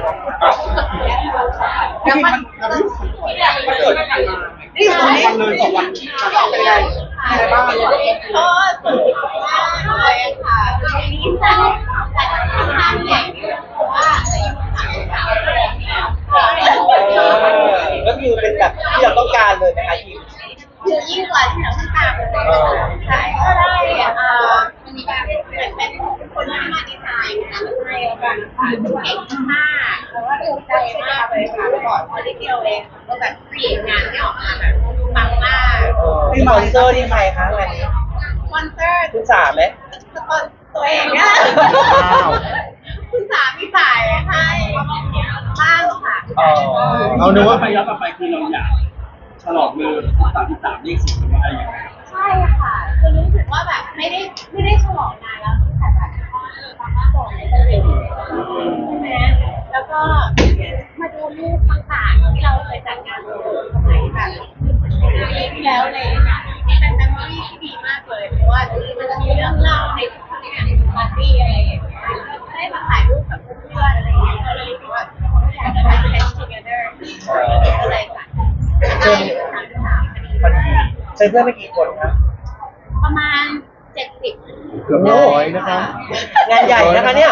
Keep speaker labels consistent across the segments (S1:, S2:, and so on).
S1: แล้วมันเกิดนี่วันเลย2 วันเป็นไงอะไรบ้าง
S2: ก็สุดมากเลยค่ะนี่จะแต่ค่อนข้างใหญ่เพราะว่า
S3: ก็คือเป็นแบบที่เราต้องการเลยนะคะทีม
S2: คือยิ่งกว่าที่เราต้องการเลยใช่ก็ได้มันมีการเหมือนเป็นคนที่มาดีไซน์งานให้แล้วกันค่ะเก่งมากเพราะว่าภูมิใจมากเลยค่ะก่อนพอได้เที่ยวเองก็แบบเปลี่ยนงานที่ออกมาแบบปังมาก
S3: สปอนเซอร์ที่ใครคะงานนี้
S2: สปอนเซอร์
S3: คุณสามไหม
S2: สปอนตัวเองเนี่ยคุณสามีจ่ายให้บ้างค่ะ
S1: เอาดูว่าไปย้อนกลับไปคือเราอยากฉลองเลย33เลข4มันอะไรอย่างเงี้ย
S2: ใช่ค่ะคือรู้สึกว่าแบบไม่ได้ฉลองนานแล้วตั้งแต่แบบก่อนเลยใช่ไหมแล้วก็มาดูรูปต่างๆที่เราเคยจัดงานสมัยแบบปีที่แล้วเลยเป็นเมมโมรี่ที่ดีมากเลยเพราะว่ามันจะมีเรื่องเล่าในทุกๆงานปาร์ตี้อะไรอย่างเงี้ยได้มาถ่ายรูปกับเพื่อนๆอะไรอย่างเงี้ยก็เลยรู้สึกว่าอยากจะไป spend together ก็เลยจัดได้33พอดี
S3: เชิญเพื่อนไปกี่คนครับ
S2: ประมาณ70
S1: เกือบ100นะครับ
S3: งานใหญ่นะคะเนี่ย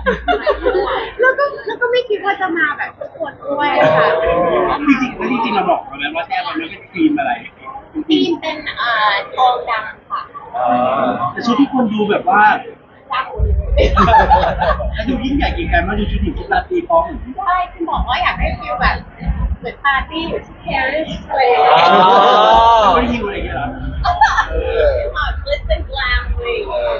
S2: แล้วก็ไม่คิดว่าจะมาแบบทุกคนด้วยค่ะ
S1: จริงเราบอกแล้วว่าแท้มันไม่เป็นทีมอะไร
S2: ทีมเป็นทองดำค่ะ
S1: แต่ชุดที่คนดูแบบว่า
S2: ดำ
S1: แล้วดูยิ่งใหญ่กินกันมาดูชุดหญิงชุดราตรีพร้อม
S2: ใช่คุณบอกว่าอยากได้ฟิลแบบเหมือนปาร์ตี้อยู่ที่ปารีสเลย
S1: ไม่ได้ยิวอะไรอย่างเงี้ยหรอ
S2: เลิสเป็นกลางเลย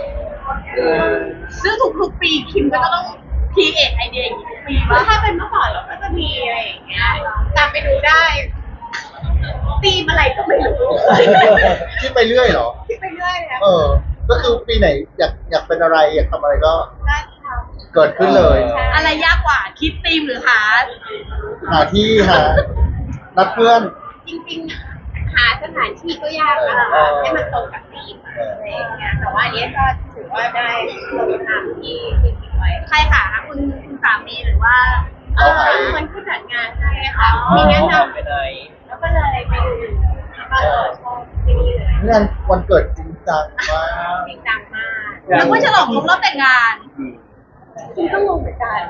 S2: ซึ่งทุกๆปีคิมก็ต้องคีเอทไอเดียอย่างนี้ทุกปีว่าถ้าเป็นเมื่อก่อนเราก็จะมีอะไรอย่างเงี้ยตามไปดูได้ตีมอะไรก็ไม่รู้
S4: คิดไปเรื่อยเหรอ
S2: คิดไปเรื่อยนะ
S4: ก็คือปีไหนอยากเป็นอะไรอยากทำอะไรก็
S2: ท
S4: เกิดขึ้นเลย
S2: อะไรยากกว่าคิดตีมหรือหา
S4: ที่หานัดเพื่อน
S2: จริงๆหาสถานที่ก็ยากนะคะให้มันตรงกับธีมอะไรอย่างเงี้ยแต่ว่าอันนี้ก็ถือว่าได้ตรงตามที่คิดไว้ใครค่ะคุณสามีหรือว่าคนที่จัดงานให้ค่ะมีแนะนำแล้วก็เลยไปดูก็ชอบที่นี่เลย
S4: งานวันเกิดจริงจังมาก
S2: จริงจังมากแล้วก็ฉลองครบรอบแต่งงานคุณก็งงเหมือนกัน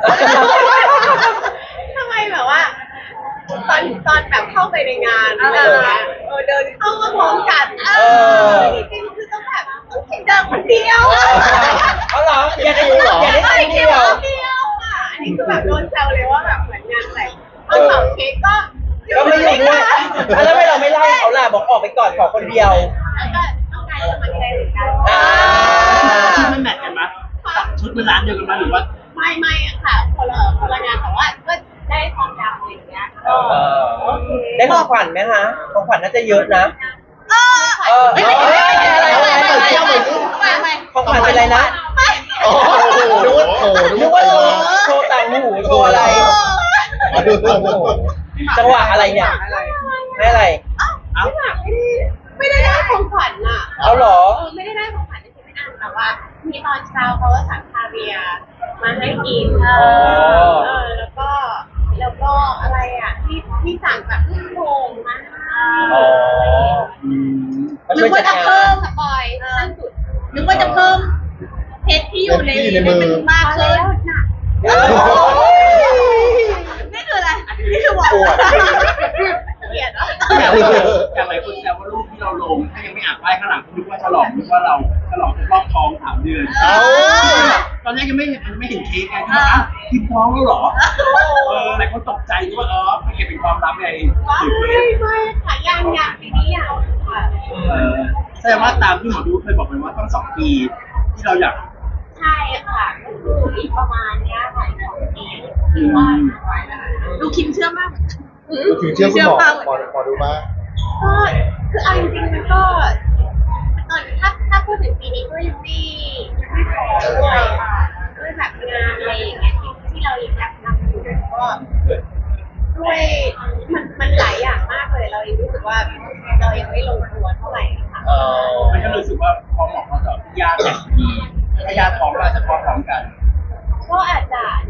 S2: ทำไมแบบว่าตอนแบบเข้าไปในงานอะไรอย่างเงี้ยเดินเข้ามาพร้อมกันจริงๆคือต้องแบบเดินคนเดียว
S3: เอาเหรออย่าได้
S2: เดียวอ่ะอันนี้คือแบบโดนแซวเลยว่าแบบเหมือนงานแต่งตอนเป่าเค้กก็
S3: ไม่อยู่ด้วยแล้วไม่เราไม่เล่าเขาล่ะบอกออกไปก่อนขอคนเดียว
S2: แล้วก็ต้องการสมัครใจเหมือนกัน
S1: ชุดมันแมทกันมั้ยชุดมันร้านเดียวกันมั้ยหรือว่า
S2: ไม่ค่ะคนละงานแต่ว่าก็ได้ความดำอะไรอย่างเงี้ย
S3: ได้ของขวัญไหมคะของขวัญน่าจะเยอะนะของขวัญเป็นอะไรนะนึกว่าโชว์ต่างหูโชว์อะไรจังหวะอะไรเนี่ยให้อะไร
S2: ไม่ได้ของขวัญอ่ะ
S3: เอาหรอ
S2: ไม่ได้ของขวัญที่ไม่อ่านแต่ว่ามีตอนเช้าเขาก็สั่งคาเวียมาให้กินแล้วก็อะไรอ่ะที่สั่งแบบลูกโป่งมานึกว่าจะเพิ่มสปอยขั้นสุดนึกว่าจะเพิ่มเพชรที่อยู่ในมือมากขึ้นนี่คืออะไรนี่คือว่าเกลียดอ่ะ
S1: อย่างไรคนแซวว่ารูปที่เราลงถ้ายังไม่อ่านป้ายข้างหลังนึกว่าฉลองนึกว่าเราฉลองครบรอบท้อง3 เดือนตอนแรกยังไม่เห็นเค้กไงที่ว่าคิดท้องแล้วหรอหลายคนตกใจว่าไม่เก็บเป็นความลับไง
S2: ไม่ค่ะยังปีนี้ยังค่ะ
S1: แสดงว่าตามที่หมอดูเคยบอกไปว่าต้อง2 ปีที่เราอยาก
S2: ใช่ค่ะก็คืออีกประมาณนี้ค่ะ2 ปีดูคิมเชื่อมาก
S4: ถึงเชื่อคุณหมอดูมาก
S2: ก็คือเอาจริงๆมันก็ตอนถ้าพูดถึงปีนี้ก็ยังไม่พอด้วยแบบงานอะไรอย่างเงี้ยที่เราอยากทำอยู่ก็ด้วยมันหลายอย่างมากเลยเรายังรู้สึกว่าเรายังไม่ลงตัวเท่าไหร่ค่ะ
S1: มันก็รู้สึกว่าพอเหมาะพอเจาะยากแบบดีถ้ายากพร้อมก็จะพร้อมกัน
S2: ก็อาจจะ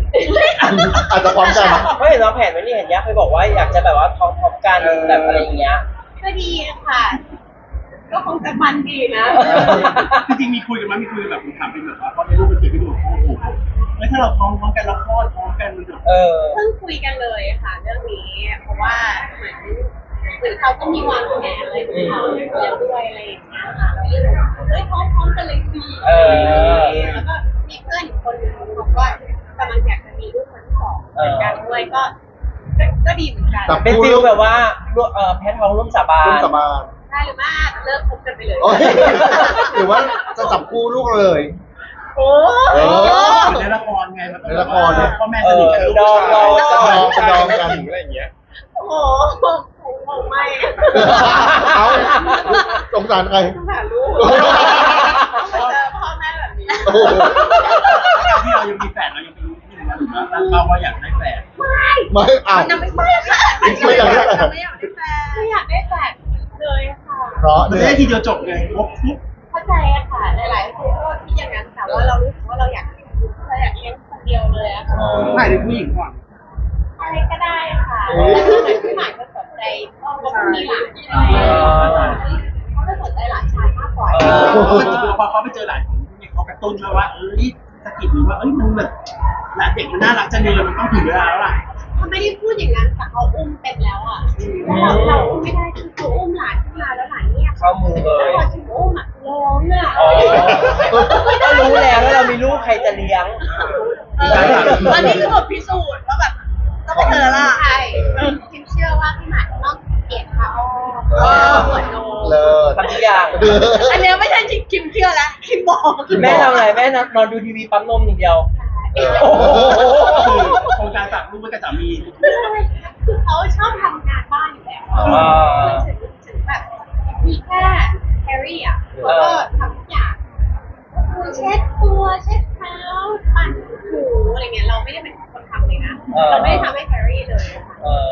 S4: อาจจะพร้อมกัน
S3: ไม่เห็นเราแผนไว้นี่เห็นยักษ์เคยบอกว่าอยากจะแบบว่าท็อปกันแบบอะไรอย่างเงี้ย
S2: ก็ดีค่ะ ก็คงจะมันดีนะ
S1: จริงๆมีคุยกันไหมมีคุยกันแบบถามเป็นแบบว่าเพราะในรูปมันเขียนไม่ดูโอ้โหแล้วถ้าเราพร้อมกันเราคลอดพร้อมกันมันจะ
S3: เออ
S2: เพิ่งคุยกันเลยค่ะเรื่องนี้ เพราะว่าเหมือนเขาก็มีวางแผนอะไรของเขาแล้วด้วยอะไรอย่างเงี้ยค่ะเราก็เลยบอกเฮ้ยพร้อมกันเลยสิ
S3: เออ
S2: แล้วก็มีเพื่อนอีกคนนึงบอกว่ากำลังอยากจะมีลูกคนที่สองเหมือนกันด้วยก็ดีเหมือนกัน
S4: แต่
S3: เป็นฟิลแบบว่าแพทย์ท้องร่วมสาบา
S4: ร่วม
S3: น
S4: สาบาน
S2: ได้หรือไม่เลิกคบกันไปเลย
S4: โอ้ยหรือว่าจะจับคู่ลูกเลย
S2: โอ้
S4: เออ
S1: ในละครไงมันต้อง
S4: ในละครเนี่ย
S1: พ่อแม่สนิทกันลูก
S3: ดอง
S1: ชาย
S4: จะดองกัน
S5: อะไรอย่างเงี้ย
S2: โหผมไม่อะ
S4: เอาสงสารใคร
S2: สงสารลูกมาเจอพ่อแม่แบบนี้
S4: โอ้โห
S1: การที่เรายังมีแฝดเรายังเป็นที่หนึ่งนะหรือว่าตั้งเป้าว่าอยากได้แฝด
S4: ไม่เอา
S2: ยังไม่ใช่ค่ะ
S4: ไม่อยากได้แฟน
S2: ไม่อยากได้แฟนไม่อยากได้แฟนเลยค่ะ
S4: เพราะ
S1: มัน
S4: เนี่
S1: จะ
S4: ย
S1: ได้ทีเดียวจบไงครบปุ๊บ
S2: เข้าใจอะค่ะหลายๆคนก็คิดอย่างนั้นแต่ว่าเรารู้สึกว่าเราอยากเลี้ยงคนเดียวเลยอะค่ะ
S1: ถ่ายเป็นผู้หญิงก่อน
S2: อะไรก็ได้ค่ะแต่ถ้าเกิดพี่หมายก็สนใจก็มีหลานใช่ไหมเขาก็สนใจหลานชายมากกว่า
S1: พอเขาไปเจอหลานของเนี่ยเขากระตุ้นมาว่าสะกิดหรือว่ามันแบบหลานเด็กมันน่ารักจังเลยมันต้องถึงเวลาแล้วล่ะ
S2: เขาไม่ได้พูดอย่างนั้นแต่เขาอุ้มเป็นแล้วอ่ะเราอุ้มไม่ได้คือเขาอุ้มหลานขึ้นมาแล้วหลานเนี่ย
S3: เข้ามือเล
S2: แล้ว
S3: ย
S2: พอถึงอุ้มอ่ะร้องอ่ะ
S3: อ๋อก็รู้แล้วว่าเรามีลูกใครจะเลี้ยง
S2: อันนี้คือบทพิสูจน์ว่าแบบต้องไปเจอละใช่คิมเชื่อว่าพี่หมายต้องเกลียดเขาปวดโน
S4: เลิศ
S3: ทำทุกอย่าง
S2: อันเนี้ยไม่ใช่คิมเชื่อแล้วคิมบอก
S3: แม่ทำอะไรแม่นอนดูทีวีปั๊มนมอย่างเดียว
S4: โอ้โห
S1: คือโครงการฝากลูกไว้กับสามี
S2: คือเขาชอบทำงานบ้านอยู่แล้วถึงแบบมีแค่แฮร์รี่อ่ะเขาก็ทำทุกอย่างคือเช็ดตัวเช็ดเท้าปั่นหูอะไรเงี้ยเราไม่ได้เป็นคนทำเลยนะเราไม่ได้ทำให้แฮร์รี่เลยค่ะ
S3: เออ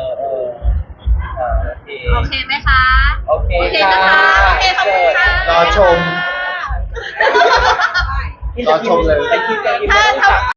S3: โอเค
S2: โอเคไหมคะ
S3: โอเค
S2: โอเคนะคะโอเคขอบคุณค่ะ
S4: รอชม รอชมเลย
S3: ไปคิดกันอีกไม่ต้องฝาก